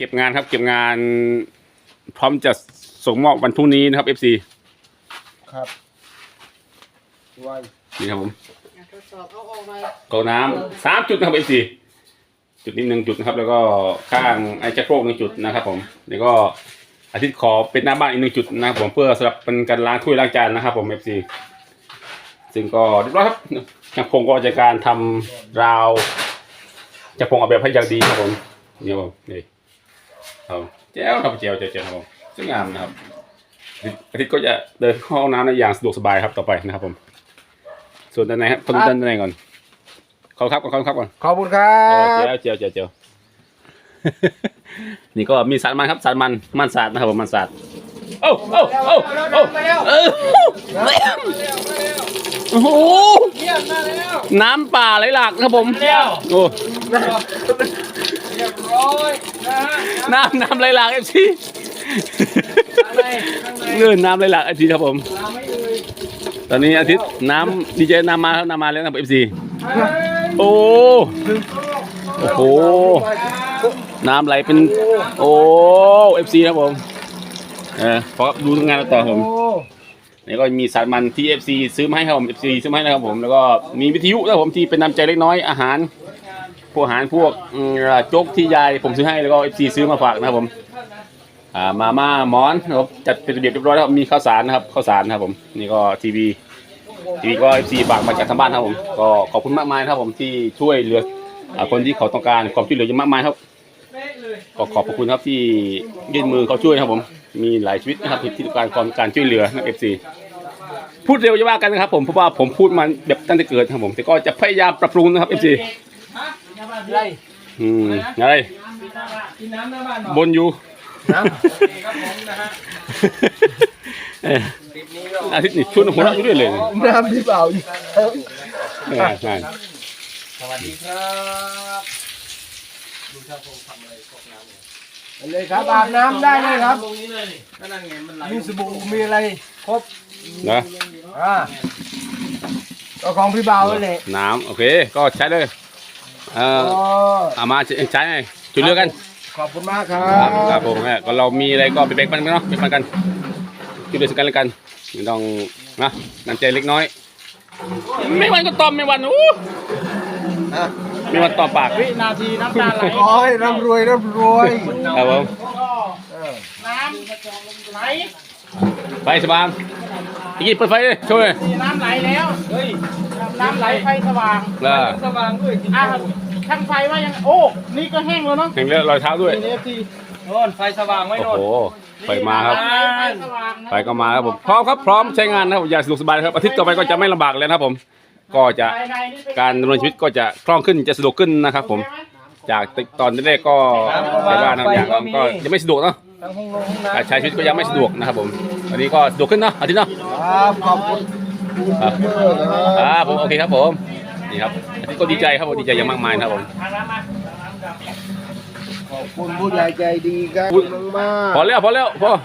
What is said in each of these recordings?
เก็บงานครับเก็บงานพร้อมจะส่งมอบวันพรุ่งนี้นะครับ FC ครับไว้นี่ครับผมทดสอบเอาออกหน่อยกรองน้ำ3 จุดนะครับ FC จุดนี้1 จุดนะครับแล้วก็ข้างไอ้ชักโครก1 จุดนะครับผมแล้วก็อาทิตย์ขอเป็นหน้าบ้านอีก1 จุดนะครับผมเพื่อสำหรับเป็นการล้างถ้วยล้างจานนะครับผม FC ซึ่งก็เรียบร้อยครับช่างพงก็จัดการทำราวช่างพงออกแบบให้อย่างดีครับผมนี่ครับผมนี่ครับแจ๋วครับแจ๋วครับผมสวยงามนะครับอาทิตย์ก็จะเดินเข้าห้องน้ำในอย่างสะดวกสบายครับต่อไปนะครับผมส่วนด้านในครับคนด้านในก่อนขอบคุณครับก่อนขอบคุณครัเจียว นี่ก็มีสารมันครับสารมันสาดนะครับผมมันสาดโอ้โหน้ำป่าไหลหลากครับผมโอ้น้ำไหลหลากเอฟซีเลื่อนน้ำไหลหลากเอฟซีครับผมตอนนี้อาทิตย์น้ำดีเจน้ำมาครับน้ำมาแล้วนะครับเอฟซีโอ้โหน้ำไหลเป็นโอ้เอฟซีครับผมพอดูทำงานต่อผมนี่ก็มีสารมันที่ FC ซื้อมาให้ครับผม FC ซื้อมาให้นะครับผมแล้วก็มีวิทยุนะครับผมที่เป็นน้ำใจเล็กน้อยอาหารพวกโจ๊กที่ยายผมซื้อให้แล้วก็ FC ซื้อมาฝากนะครับผมมาม่าหมอนนะครับจัดเป็นระเบียบเรียบร้อยแล้วมีข้าวสารนะครับผมนี่ก็ทีวีก็ FC ฝากมาจากทางบ้านครับผมก็ขอบคุณมากมายครับผมที่ช่วยเหลือคนที่เขาต้องการความช่วยเหลือเยอะมากมายครับก็ขอบคุณครับที่ยื่นมือเขาช่วยครับผมมีหลายชีวิตนะครับที่ต้องการช่วยเหลือนะ FC พูดเร็วจะว่ากันนะครับผมเพราะว่าผมพูดมาแบบตั้งแต่เกิดครับผมแต่ก็จะพยายามปรับปรุงนะครับ FC อะไรบนอยู่อาทิตย์นี้ชวนหัวเราะอยู่ด้วยเลยน้ำที่เปล่าอยู่สวัสดีครับดูช่างพงทำอะไรพวกน้ำเลยครับอาบน้ำได้เลยครับตรงนี้เลยนี่นั่นไงมันไหลมีสบู่มีอะไรครบนะก็ของพี่เบาเลยน้ำโอเคก็ใช้เลยเอามาใช้ช่วยเหลือกันขอบคุณมากครับครับผมก็เรามีอะไรก็ไปแบ่งปันกันเนาะแบ่งปันกันช่วยเหลือกันแล้วกันไม่ต้องนะน้ำใจเล็กน้อยไม่วันก็ตอมไม่วันไม่วันตอมปากวินาทีน้ำตาไหลขอให้ร่ำรวยครับผมน้ำไหลไฟสว่างอีกเปิดไฟเลยช่วยน้ำไหลแล้วเฮ้ยน้ำไหลไฟสว่างสว่างด้วยช่างไฟว่ายังโอ้นี่ก็แห้งแล้วเนาะแห้งแล้วรอยเท้าด้วยโน่นไฟสว่างไว้โน่นโอ้โหไฟมาครับไฟก็มาครับผมพร้อมครับพร้อมใช้งานนะครับอย่าสะดวกสบายครับอาทิตย์ต่อไปก็จะไม่ลำบากแล้วนะครับผมก็จะการดำเนินชีวิตก็จะคล่องขึ้นจะสะดวกขึ้นนะครับผมจากตอนแรกก็แต่ว่าอย่างก็ยังไม่สะดวกเนาะการใช้ชีวิตก็ยังไม่สะดวกนะครับผมอันนี้ก็สะดวกขึ้นเนาะอาทิตย์เนาะขอบคุณครับผมโอเคครับผมนี่ครับอาทิตย์ก็ดีใจครับผมดีใจอย่างมากมายครับผมขอบคุณผู้ใหญ่ใจดีครับมากพอแล้วพอ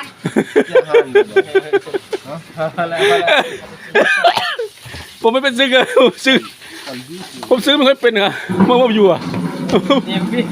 ผมไม่เป็นซื้อเลยผมซื้อไม่ค่อยเป็นครับเมื่ออยู่อ่ะเนี่ยพี่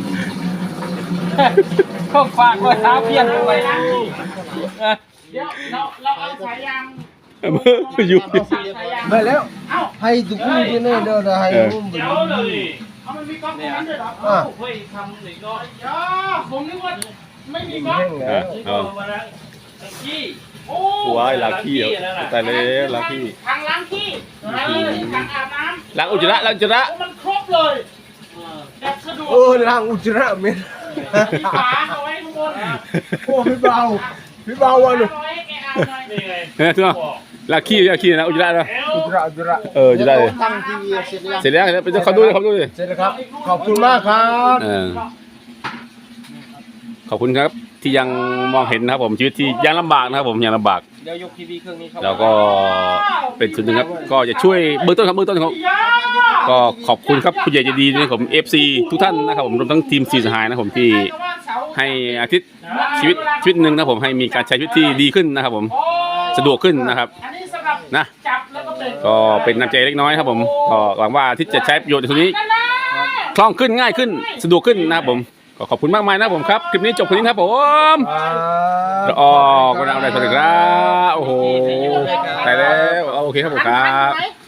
ข้องฝากไว้เท้าเพี้ยนไปเดี๋ยวเราเอาสายยางอยู่ไปแล้วให้ทุกคนที่นี่เดี๋ยวให้อุ้มไปเลยมันมีก๊อกนั้นด้วยเหรอเฮ้ยทำหนึ่งก็ผมนึกว่าไม่มีก๊อกขี้โอ้ล้างขี้แต่เลยล้างขี้ทางล้างขี้ทางอาบน้ำล้างอุจจาระมันครบเลยแบบสะดวกล้างอุจจาระเม็ดฝาเอาไว้ข้างบนโอ้พี่เบาวันเลยล้างขี้นะอุจจาระนะอุจจาระจะได้เลยตั้งทีวีเสร็จแล้วไปเขาดูดิเสร็จแล้วครับขอบคุณมากครับขอบคุณครับที่ยังมองเห็นนะครับผมชีวิตที่ยังลำบากนะครับผมยังลำบากเดี๋ยวยกทีวีเครื่องนี้แล้วก็เป็นส่วนหนึ่งครับก็จะช่วยเบื้องต้นครับก็ขอบคุณครับผู้ใหญ่ใจดีนะครับผม FC ทุกท่านนะครับผมรวมทั้งทีมสีสหายนะผมที่ให้อาทิตย์ชีวิตหนึ่งนะผมให้มีการใช้ชีวิตที่ดีขึ้นนะครับผมสะดวกขึ้นนะครับนะก็เป็นน้ำใจเล็กน้อยครับผมก็หวังว่าอาทิตย์จะใช้ประโยชน์ในส่วนนี้คล่องขึ้นง่ายขึ้นสะดวกขึ้นนะครับผมก็ขอบคุณมากมายนะผมครับคลิปนี้จบคนนี้ครับผมครับออกก็เอาได้สวัสดีครับโอ้โหตายแล้วโอเคครับผมครับ